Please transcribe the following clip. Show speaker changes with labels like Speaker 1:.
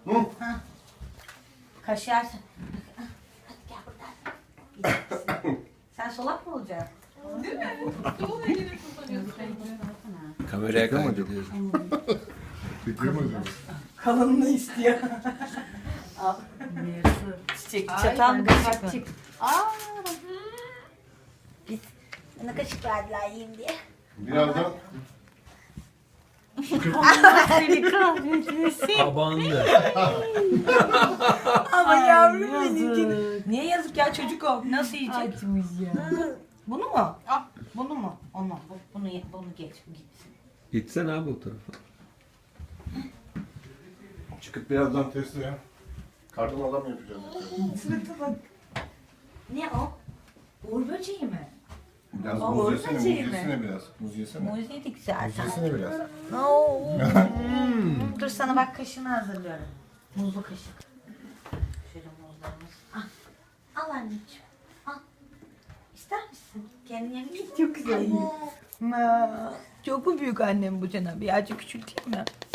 Speaker 1: Ha. Kaşarsın. Hadi gel buradan. Sen solak mı olacaksın?
Speaker 2: Değil mi? Sol elini kullanıyorsun.
Speaker 3: Kameraya kaydediyorsun.
Speaker 4: Çekiyor mu acaba?
Speaker 1: Kalınlığı istiyor. Al. Çiçek, çatan kaşık çık. Biz bana kaşık verdiler yiyeyim diye.
Speaker 4: Birazdan
Speaker 1: Seni kahretmesin.
Speaker 3: Tabandı.
Speaker 1: Ama yavrum benim. Niye yazık ya çocuk o? Nasıl yiyecek? Bunu mu?
Speaker 2: Al.
Speaker 1: Bunu mu? Onu. Bunu geç. Gitsin.
Speaker 3: Gitsene abi o tarafa.
Speaker 4: çıkıp birazdan testi ya. Kardan adam yapacağız.
Speaker 1: Sırıta bak. Ne o? Uğur böceği mi?
Speaker 4: Biraz
Speaker 1: Aa,
Speaker 4: muz
Speaker 1: orada
Speaker 4: yesene, muz
Speaker 1: şey mi?
Speaker 4: yesene biraz. Muz yesene.
Speaker 1: Muz yedik zaten.
Speaker 4: Yesene biraz.
Speaker 1: Oo. Dur sana bak kaşığını hazırlıyorum. Muzlu kaşık. Şöyle muzlarımız. Al. Al anneciğim. Al. İster misin? Kendin yemek çok güzel. Çok mu büyük annem bu cana? Birazcık küçülteyim mi?